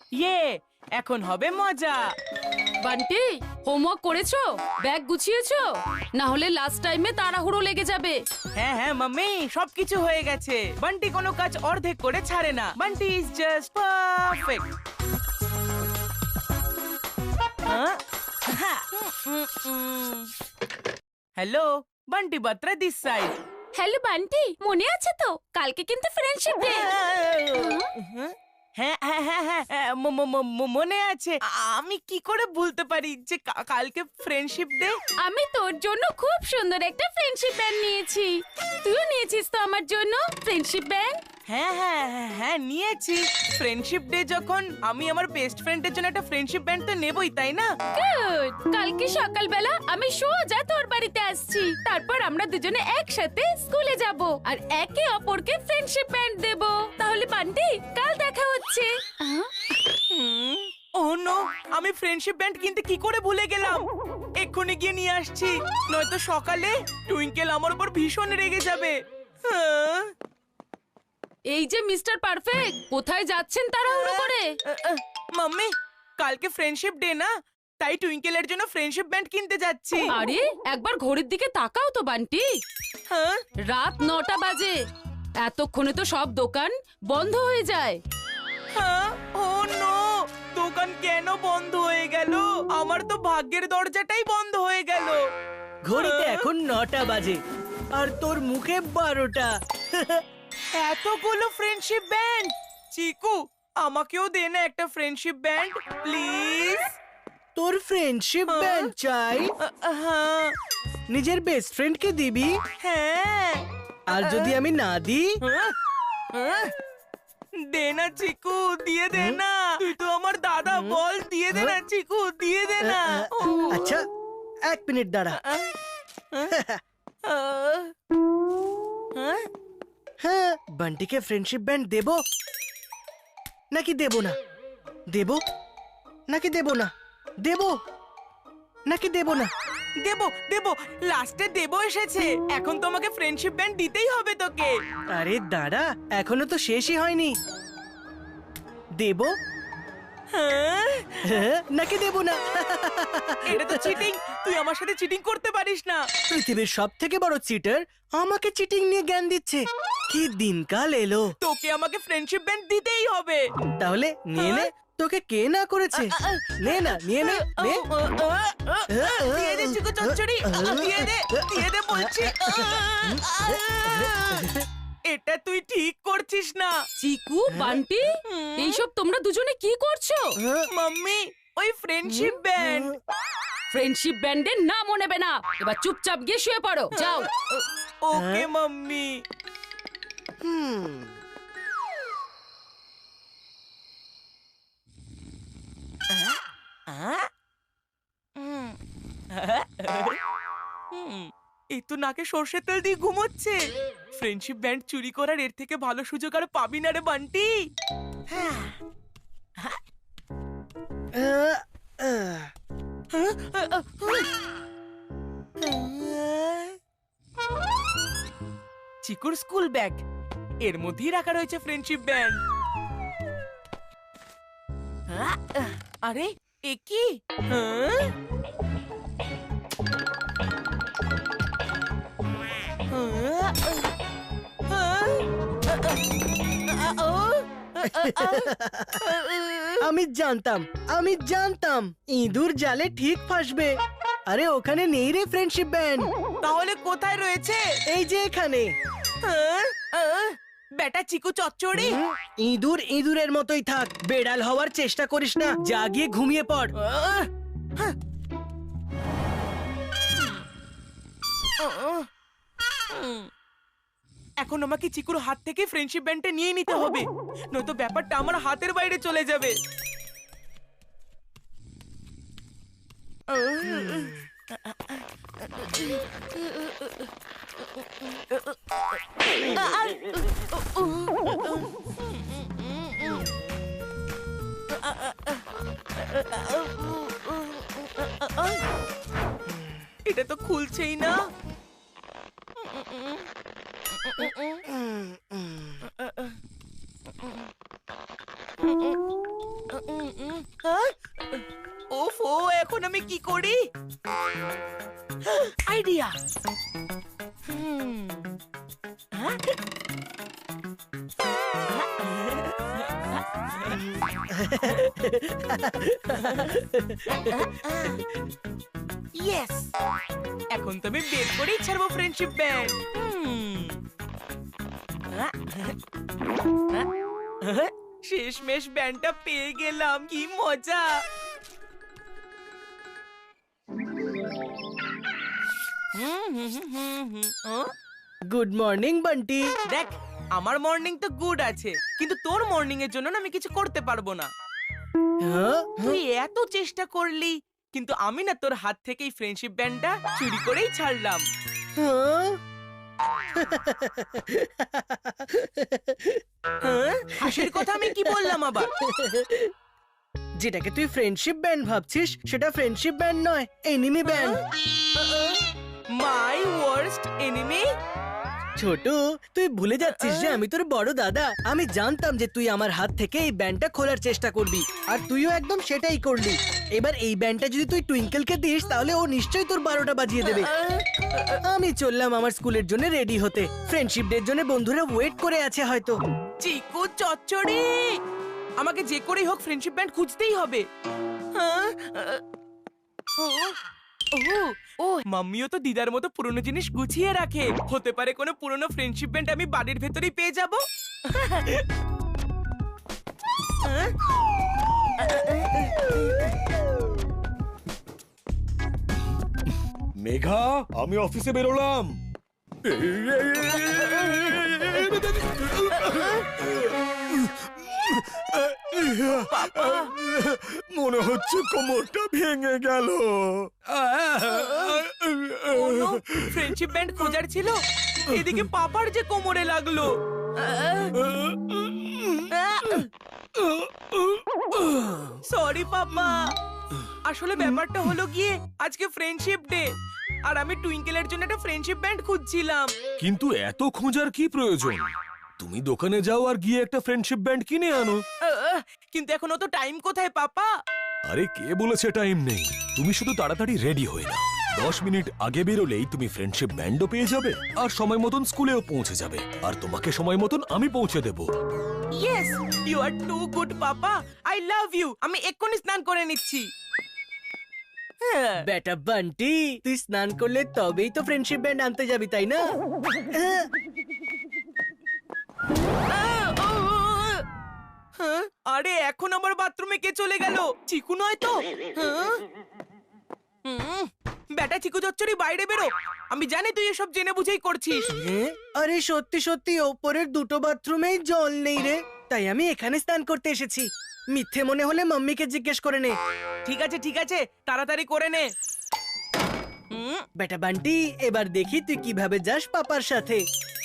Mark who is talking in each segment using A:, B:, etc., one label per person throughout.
A: ইয়ে, এখন হবে মজা।
B: বান্টি, হোমওয়ার্ক করেছো? ব্যাগ গুছিয়েছো? না হলে লাস্ট টাইমে তাড়াহুড়ো লেগে যাবে।
A: হ্যাঁ হ্যাঁ মাম্মি, সবকিছু হয়ে গেছে। বান্টি কোনো কাজ অর্ধেক করে ছাড়ে না। Bunty is just perfect. Hello, Bunty Batra this side.
B: Hello Bunty, মনে আছে তো কালকে কিন্তু ফ্রেন্ডশিপ ডে।
A: হ্যাঁ হ্যাঁ হ্যাঁ হ্যাঁ হ্যাঁ, মনে আছে। আমি কি করে ভুলতে পারি যে কালকে ফ্রেন্ডশিপ ডে।
B: আমি তোর জন্য খুব সুন্দর একটা ফ্রেন্ডশিপ ব্যান্ড নিয়েছি। তুইও নিয়েছিস তো আমার জন্য ফ্রেন্ডশিপ ব্যান্ড?
A: হ্যাঁ হ্যাঁ হ্যাঁ হ্যাঁ নিয়েছি। ফ্রেন্ডশিপ ডে যখন, আমি আমার বেস্ট ফ্রেন্ডের জন্য একটা ফ্রেন্ডশিপ ব্যান্ড তো নেবই, তাই না?
B: গুড। কালকে সকালবেলা আমি সোজা তোর বাড়িতে আসছি। তারপর আমরা দুজনে একসাথে স্কুলে যাব আর একে অপরকে ফ্রেন্ডশিপ ব্যান্ড দেব। তাহলে বান্টি, কাল দেখা হচ্ছে।
A: ও নো, আমি ফ্রেন্ডশিপ ব্যান্ড কিনতে কি করে ভুলে গেলাম। এক্ষুনি গিয়ে নিয়ে আসছি, নয়তো সকালে টুইঙ্কেল আমার উপর ভীষণ রেগে যাবে। হ্যাঁ।
B: এই যে মিস্টার পারফেক্ট, কোথায় যাচ্ছেন তাড়াহুড়ো করে?
A: মাম্মি, কালকে ফ্রেন্ডশিপ ডে না, তাই টুইঙ্কেলের জন্য ফ্রেন্ডশিপ ব্যান্ড কিনতে যাচ্ছি।
B: আরে একবার ঘড়ির দিকে তাকাও তো বান্টি।
A: হ্যাঁ।
B: রাত 9টা বাজে। এতক্ষণে তো সব দোকান বন্ধ হয়ে যায়।
A: হ্যাঁ, ও নো, দোকান কেন বন্ধ হয়ে গেল? আমার তো ভাগ্যের দরজাটাই বন্ধ হয়ে গেল।
C: ঘড়িতে এখন 9টা বাজে আর তোর মুখে 12টা।
A: এতগুলো ফ্রেন্ডশিপ ব্যান্ড। চিকু, আমাকেও দে না একটা ফ্রেন্ডশিপ ব্যান্ড প্লিজ।
C: তোর ফ্রেন্ডশিপ ব্যান্ড চাই?
A: হ্যাঁ
C: নিজের বেস্ট ফ্রেন্ডকে দিবি?
A: হ্যাঁ।
C: আর যদি আমি না দিই?
A: দে না চিকু, দিয়ে দে না। তুই তো আমার দাদা, বল দিয়ে দে না চিকু, দিয়ে দে না।
C: আচ্ছা, 1 মিনিট দাঁড়া। হ্যাঁ, বান্টিকে ফ্রেন্ডশিপ ব্যান্ড দেব নাকি দেব না? দেব নাকি দেব না? দেব নাকি দেব না?
A: দেবো দেবো, লাস্টে দেবো এসেছে। এখন তোমাকে ফ্রেন্ডশিপ ব্যান্ড দিতেই হবে তোকে।
C: আরে দাঁড়া, এখনো তো শেষই হয়নি। দেব
A: হ্যাঁ,
C: নাকি দেব না?
A: এটা তো চিটিং। তুই আমার সাথে চিটিং করতে পারিস না।
C: পৃথিবীর সব থেকে বড় চিটার আমাকে চিটিং নিয়ে জ্ঞান দিচ্ছে। কি দিনকাল এলো।
A: তোকে আমাকে ফ্রেন্ডশিপ ব্যান্ড দিতেই হবে।
C: তাহলে নিয়ে নে, তোকে কে না করেছে? নে না, নিয়ে নে, নে।
A: দিয়ে দে চিকু চচ্চড়ি, দিয়ে দে বলছি। এটা তুই ঠিক করছিস না।
B: চিকু, বান্টি, এইসব তোমরা দুজনে কি করছো?
A: মাম্মি, ওই ফ্রেন্ডশিপ ব্যান্ড।
B: ফ্রেন্ডশিপ ব্যান্ডের নামও নেবে না। এবার চুপচাপ গিয়ে শুয়ে পড়ো, যাও।
A: Okay mummy. এই তো নাকে সর্ষের তেল দিয়ে ঘুমোচ্ছে। ফ্রেন্ডশিপ ব্যান্ড চুরি করার এর থেকে ভালো সুযোগ আর পাবি না রে বান্টি। চিকুর স্কুল ব্যাগ, এর মধ্যেই রাখা রয়েছে ফ্রেন্ডশিপ ব্যান্ড। আরে এ কি?
C: আমি জানতাম ইঁদুর জালে ঠিক ফাঁসবে। আরে ওখানে নেই রে ফ্রেন্ডশিপ ব্যান্ড।
A: তাহলে কোথায় রয়েছে?
C: এই যে এখানে।
A: বেটা চিকু চচ্চড়ি,
C: ইঁদুর ইঁদুরের মতোই থাক, বেড়াল হওয়ার চেষ্টা করিস না। যা গিয়ে ঘুমিয়ে পড়।
A: এখন আমাকে চিকুর হাত থেকে ফ্রেন্ডশিপ ব্যান্ডটা নিয়ে নিতে হবে, নয়তো ব্যাপারটা আমার হাতের বাইরে চলে যাবে। এটা তো খুলছেই না। হ্যাঁ? ওফো, এখন আমি কি করি? আইডিয়া। ইয়েস, এখন তো আমি বের করেই ছাড়বো ফ্রেন্ডশিপ ব্যান্ড। শেষমেশ ব্যান্ডটা পেয়ে গেলাম, কি মজা।
C: Good morning Bunty.
A: দেখ, আমার মর্নিং তো গুড আছে, কিন্তু তোর মর্নিং এর জন্য না আমি কিছু করতে পারবো না।
C: হ্যাঁ?
A: তুই এত চেষ্টা করলি, কিন্তু আমি না তোর হাত থেকেই ফ্রেন্ডশিপ ব্যান্ডটা চুরি করেই ছাড়লাম।
C: হ্যাঁ?
A: হ্যাঁ? হাসির কথা আমি কি বললাম আবার?
C: যেটাকে তুই ফ্রেন্ডশিপ ব্যান্ড ভাবছিস সেটা ফ্রেন্ডশিপ ব্যান্ড নয়, enemy band.
A: My worst enemy?
C: ছোট, তুই ভুলে যাচ্ছিস যে আমি তোর বড় দাদা। আমি জানতাম যে তুই আমার হাত থেকে এই ব্যান্ডটা খোলার চেষ্টা করবি, আর তুইও একদম সেটাই করলি। এবার এই ব্যান্ডটা যদি তুই টুইঙ্কেলকে দিস তাহলে ও নিশ্চয়ই তোর 12টা বাজিয়ে দেবে। আমি চললাম আমার স্কুলের জন্য রেডি হতে। ফ্রেন্ডশিপ ডের জন্য বন্ধুরা ওয়েট করে আছে হয়তো।
A: চিকু চচ্চড়ি, আমাকে যে করেই হোক ফ্রেন্ডশিপ ব্যান্ড খুঁজতেই হবে। হ্যাঁ? ও, মাম্মিও তো দিদার মতো পুরনো জিনিস গুছিয়ে রাখে। হতে পারে কোনো পুরনো ফ্রেন্ডশিপ ব্যান্ড আমি বাড়ির ভেতরেই পেয়ে যাব।
D: মেঘা, আমি অফিসে বেরোলাম। মনে হচ্ছে কোমরটা ভেঙে গেল।
A: ফ্রেন্ডশিপ ব্যান্ড খোঁজার ছিল, এদিকে পাপার যে কোমরে লাগলো। সরি পাপা, আসলে ব্যাপারটা হলো গিয়ে আজকে ফ্রেন্ডশিপ ডে, আর আমি টুইঙ্কেলের জন্য একটা ফ্রেন্ডশিপ ব্যান্ড খুঁজছিলাম।
D: কিন্তু এত খোঁজার কি প্রয়োজন? তুমি দোকানে যাও আর গিয়ে একটা ফ্রেন্ডশিপ ব্যান্ড কিনে আনো।
A: কিন্তু এখন অত টাইম কোথায় পাপা?
D: আরে কে বলেছে টাইম নেই? তুমি শুধু তাড়াতাড়ি রেডি হয়ে নাও। 10 মিনিট আগে বেরোলেই তুমি ফ্রেন্ডশিপ ব্যান্ডও পেয়ে যাবে, আর সময় মতন স্কুলেও পৌঁছে যাবে, আর তোমাকে সময় মতন আমি পৌঁছে দেব।
A: Yes, you are too good papa, I love you. আমি এক্ষুনি স্নান করে নিচ্ছি।
C: বেটা বান্টি, তুই স্নান করলে তবেই তো ফ্রেন্ডশিপ ব্যান্ড আনতে যাবি, তাই না?
A: আরে এখন আমার বাথরুমে কে চলে গেল? চিকু নয় তো? বেটা চিকু চচ্চড়ি, বাইরে বেরো। আমি জানি তুই এসব জেনে বুঝেই করছিস।
C: আরে সত্যি সত্যি ওপরের দুটো বাথরুমেই জল নেই রে, তাই আমি এখানে স্নান করতে এসেছি। মিথ্যে মনে হলে মাম্মিকে জিজ্ঞেস করে নে।
A: ঠিক আছে ঠিক আছে, তাড়াতাড়ি করে নে।
C: বেটা বান্টি, এবার দেখি তুই কিভাবে যাস পাপার সাথে।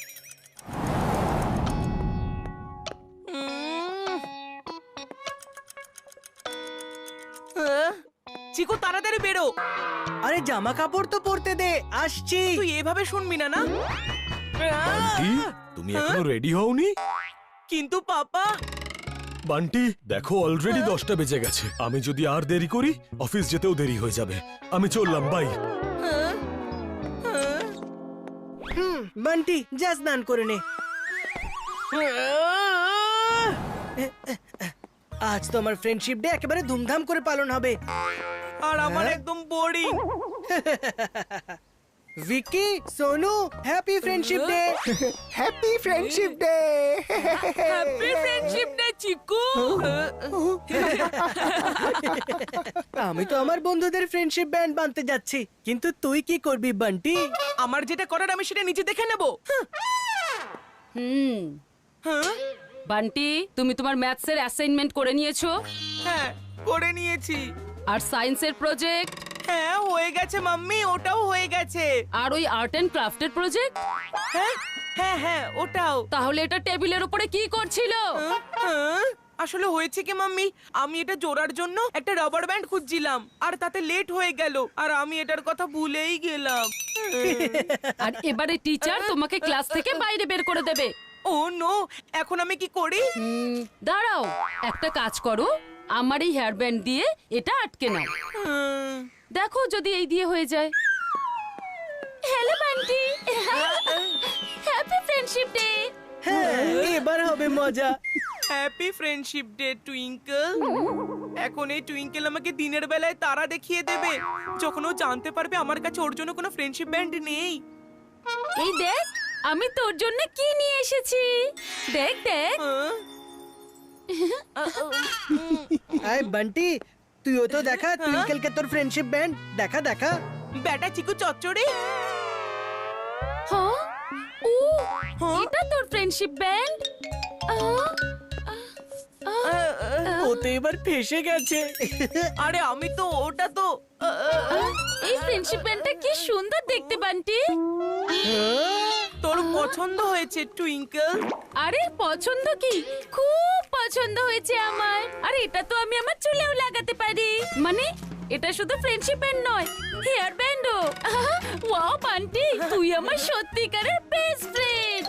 A: চিকু তাড়াতাড়ি বেরো।
C: আরে জামা কাপড় তো পরতে দে, আসছি।
A: তুই এভাবে শুনবি না না?
D: বান্টি, তুমি এখনো রেডি হওনি?
A: কিন্তু পাপা।
D: বান্টি দেখো, অলরেডি 10টা বেজে গেছে। আমি যদি আর দেরি করি অফিস যেতেও দেরি হয়ে যাবে। আমি চললাম, বাই।
C: বান্টি, যা স্নান করে নে। আজ তো আমার ফ্রেন্ডশিপ ডে একেবারে ধুমধাম করে পালন হবে।
A: আর আমার একদম boring.
C: Vicky, Sonu, happy friendship day.
E: Happy friendship day.
B: Happy friendship day Chiku.
C: আমি তো আমার বন্ধুদের ফ্রেন্ডশিপ ব্যান্ড বানতে যাচ্ছি, কিন্তু তুই কি করবি বান্টি?
A: আমার যেটা করার আমি সেটা নিজে দেখে নেব।
B: বান্টি, তুমি তোমার ম্যাথসের অ্যাসাইনমেন্ট করে নিয়েছো?
A: হ্যাঁ, করে নিয়েছি।
B: আর সায়েন্সের প্রজেক্ট?
A: হ্যাঁ, হয়ে গেছে মাম্মি, ওটাও হয়ে গেছে।
B: আর ওই আর্ট এন্ড ক্রাফটের প্রজেক্ট?
A: হ্যাঁ হ্যাঁ হ্যাঁ, ওটাও।
B: তাহলে এটা টেবিলের উপরে কি করছিল?
A: আসলে হয়েছে কি মাম্মি, আমি এটা জোড়ার জন্য একটা রাবার ব্যান্ড খুঁজছিলাম, আর তাতে লেট হয়ে গেল, আর আমি এটার কথা ভুলেই গেলাম।
B: আর এবারে টিচার তোমাকে ক্লাস থেকে বাইরে বের করে দেবে।
A: ও নো, এখন আমি কি করি?
B: দাঁড়াও, একটা কাজ করো, আমার এই হেয়ার ব্যান্ড দিয়ে এটা আটকে নাও। দেখো যদি এই দিয়ে হয়ে যায়। Hello Bunty, happy friendship day.
C: হ্যাঁ এবার হবে মজা।
A: Happy friendship day Twinkle. এখন এই টুইঙ্কেল আমাকে দিনের বেলায় তারা দেখিয়ে দেবে, যখন ও জানতে পারবে আমার কাছে ওর জন্য কোনো ফ্রেন্ডশিপ ব্যান্ড নেই।
B: এই দেখ আমি তোর জন্য কি নিয়ে এসেছি। দেখ দেখ।
C: আয় বান্টি, তুইও তো দেখা টুইঙ্কেলকে তোর ফ্রেন্ডশিপ ব্যান্ড দেখা দেখা।
A: বেটা চিকু চচ্চড়ি।
B: হ্যাঁ ও
A: হ্যাঁ?
B: এটা তোর ফ্রেন্ডশিপ ব্যান্ড।
C: ও তো এবার ফেসে গেছে।
A: আরে আমি তো ওটা তো
B: এই ফ্রেন্ডশিপ ব্যান্ডটা কি সুন্দর দেখতে বান্টি।
A: তোর পছন্দ হয়েছে টুইঙ্কেল?
B: আরে পছন্দ কি, খুব পছন্দ হয়েছে আমার। আর এটা তো আমি আমার চুলেও লাগাতে পারি। মানে এটা শুধু ফ্রেন্ডশিপ ব্যান্ড নয়, হেয়ার ব্যান্ডও। ওয়াও বান্টি, তুই আমার সত্যিকারের বেস্ট ফ্রেন্ড।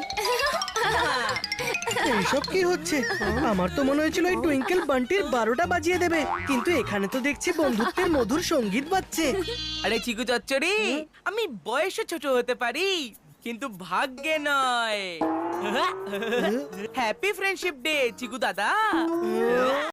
C: এইসব কি হচ্ছে? আমার তো মনে হয়েছিল এই টুইঙ্কেল বান্টির 12টা বাজিয়ে দেবে, কিন্তু এখানে তো দেখছি বন্ধুত্বের মধুর সঙ্গীত বাজছে।
A: আরে চিকু চচ্চড়ি, আমি বয়সে ছোট হতে পারি কিন্তু ভাগ্যে নয়। হ্যাপি ফ্রেন্ডশিপ ডে চিকু দাদা।